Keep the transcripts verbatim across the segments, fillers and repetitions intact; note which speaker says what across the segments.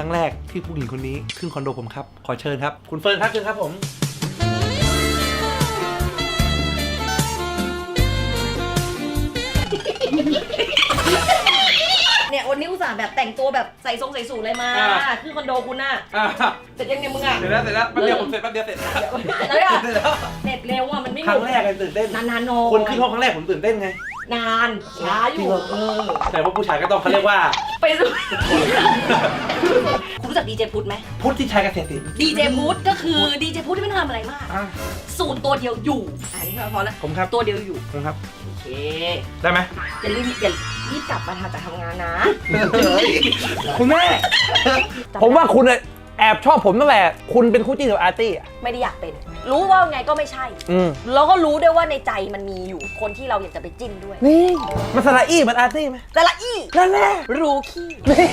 Speaker 1: รั้งแรกที่ผู้หญิงคนนี้ขึ้นคอนโดผมครับขอเชิญครับคุณเฟิร์นครับเชิญครับผม
Speaker 2: เนี่ยวันนี้อุตส่าห์แบบแต่งตัวแบบใส่ทรงใส่สูทเลยมาขึ้นคอนโดคุณน่ะเสร็จยังเนี่ยมึงอ่ะ
Speaker 1: เสร็จแล้วเสร็จแล้วแป๊บเดียวผมเสร็จแป๊บเดียวเสร็จแล้วเสร็จแล้ว
Speaker 2: เสร็จเร็วอ่ะมันไม่
Speaker 1: ครั้งแรกเลยตื่นเต้น
Speaker 2: นานๆโน
Speaker 1: คนขึ้นห้องครั้งแรกผมตื่นเต้นไง
Speaker 2: นานช้าอยู่เออ
Speaker 1: แต่ว่าผู้ชายก็ต้องเขาเรียกว่า
Speaker 2: ไปดูคุณรู้จักดีเจพุทธไหม
Speaker 1: พุทธที่ชัยเกษตรศิลป์
Speaker 2: ดีเจพุทธก็คือดีเจพุทธที่ไม่ทำอะไรมากสูตรตัวเดียวอยู่อันนี้พอแล้ว
Speaker 1: ผมครับ
Speaker 2: ตัวเดียวอยู่
Speaker 1: ผมครับ
Speaker 2: โอเค
Speaker 1: ได้ไหม
Speaker 2: อย่าลืมอย่ารีบกลับมาทำจากทำงานนะ
Speaker 1: คุณแม่ผมว่าคุณแอบชอบผมตั้งแต่คุณเป็นคู่จิ้นกับอาร์ตี้อ่ะ
Speaker 2: ไม่ได้อยากเป็นรู้ว่าไงก็ไม่ใช่แล้วก็รู้ด้วยว่าในใจมันมีอยู่คนที่เราอยากจะไปจิ้นด้วย
Speaker 1: นี่มันสระอี้มันอาร์ตี้ไหม
Speaker 2: สระอี้
Speaker 1: นั่นแหละ
Speaker 2: รู้ขี้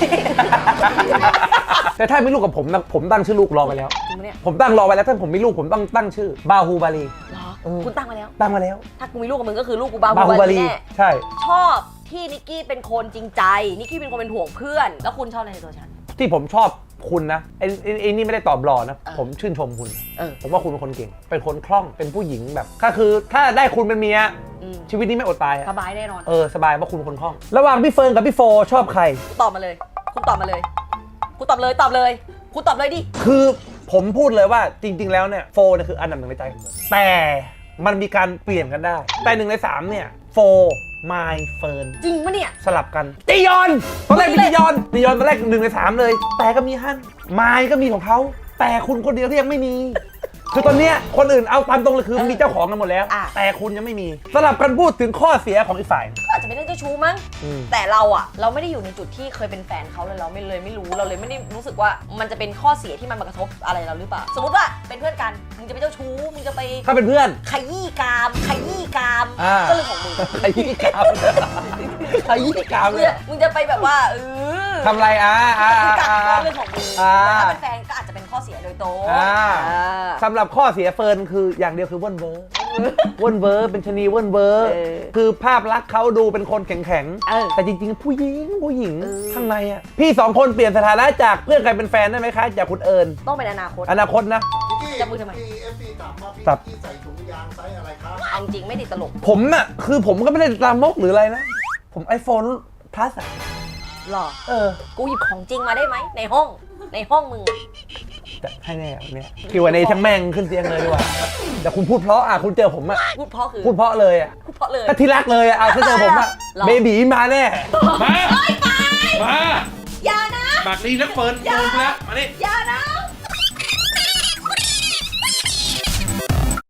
Speaker 1: แต่ถ้ามีลูกกับผมนะผมตั้งชื่อลูกรอไปแล้ว
Speaker 2: จริงไหมเนี่ย
Speaker 1: ผมตั้งรอไปแล้วถ้าผมมีลูกผมต้องตั้งชื่อบาฮูบาลี
Speaker 2: เหรอคุณตั้งมาแล้ว
Speaker 1: ตั้งมาแล้ว
Speaker 2: ถ้ากูมีลูกกับมึงก็คือลูกกูบาฮูบาลีแน่
Speaker 1: ใช่
Speaker 2: ชอบที่นิกกี้เป็นคนจริงใจนิกกี้เป็นคนเป็นห่วงเพื่อนแล้วคุณชอบอะไรในตัวฉัน
Speaker 1: ที่ผมชอบคุณนะไอ้ไอ้นี่ไม่ได้ตอบรอนะผมชื่นชมคุณผมว่าคุณเป็นคนเก่งเป็นคนคล่องเป็นผู้หญิงแบบก็คือถ้าได้คุณเป็นเมียชีวิตนี้ไม่อดตาย
Speaker 2: สบายแน่นอน
Speaker 1: เออสบายเพราะคุณเป็นคนคล่องระหว่างพี่เฟิร์นกับพี่โฟชอบใคร
Speaker 2: ตอบมาเลยคุณตอบมาเลยคุณตอบเลยตอบเลยคุณตอบเลยดิ
Speaker 1: คือผมพูดเลยว่าจริงๆแล้วเนี่ยโฟเนี่ยคืออันดับหนึ่งในใจของผมแต่มันมีการเปลี่ยนกันได้แต่หนึ่งในสามเนี่ยโฟไมล์เฟิร์น
Speaker 2: จริงปะเนี่ย
Speaker 1: สลับกันจียอนตอนแรกมีจียอนจียอนตอนแรกหนึ่งในสามเลยแต่ก็มีฮั่นไมล์ก็มีของเขาแต่คุณคนเดียวที่ยังไม่มีคือตอนเนี้ยคนอื่นเอาตามตรงเลยคือมีเจ้าของกันหมดแล้วแต่คุณยังไม่มีสลับกันพูดถึงข้อเสียของอีกฝ่าย
Speaker 2: อาจจะเป็นเรื่องเจ้าชู้มั้งแต่เราอะเราไม่ได้อยู่ในจุดที่เคยเป็นแฟนเขาเลยเราไม่เลยไม่รู้เราเลยไม่ได้รู้สึกว่ามันจะเป็นข้อเสียที่มันมากระทบอะไรเราหรือเปล่าสมมติว่าเป็นเพื่อนกันมึงจะไปเจ้าชู้มึงจะไป
Speaker 1: ถ้าเป็นเพื่อน
Speaker 2: ขยี้กามขยี้กามก็เรื่องของมึง
Speaker 1: ขยี้กามขยี้กามเลย
Speaker 2: มึงจะไปแบบว่าเออ
Speaker 1: ทำไรอ่ะอ่า
Speaker 2: ก็เรื่องของมึงแต่ถ้าเป็นแฟนก็อาจจะเป็นข้อเสียโดยตรง
Speaker 1: สำหรับข้อเสียเฟิร์นคืออย่างเดียวคือว่นเวอร์ว่นเวอร์เป็นชนีว่นเวอร์คือภาพลักษณ์เขาดูเป็นคนแข็งๆแต่จริงๆผู้หญิงผู้หญิงข้างในอ่ะพี่สองคนเปลี่ยนสถานะจากเพื่อนกลายเป็นแฟนได้ไหมคะจากคุณเอิญ
Speaker 2: ต้องเป็นอนาคต
Speaker 1: อนาคตนะ
Speaker 2: จะมือทำไม
Speaker 3: ตับที่ใส่ถุงยางไซส์อะไรครับ
Speaker 2: เอาจริงไม่ติดตลก
Speaker 1: ผมน่ะคือผมก็ไม่ได้ลามกหรืออะไรนะผมไอโฟนพลัสอ่ะ
Speaker 2: หรอ
Speaker 1: เออ
Speaker 2: กูหยิบของจริงมาได้ไหมในห้องในห้องมึง
Speaker 1: จะให้แน่เนี่ยคิวอันนี้ทั้งแม่งขึ้นเตียงเลยดีกว่าแต่คุณพูดเพราะอ่ะคุณเจอผมอ่ะ
Speaker 2: พูดเพราะคือ
Speaker 1: พูดเพราะเลยอ่ะ
Speaker 2: พูดเพราะเลย
Speaker 1: ถ้าที่รักเลยอ่ะถ้าเจอผมอ่ะเบบีมาแน่
Speaker 2: มาไป
Speaker 1: มา
Speaker 2: อย่านะ
Speaker 1: บักนี้นักเฟิร์นโดนแล้วมาดิ
Speaker 2: อย่านะ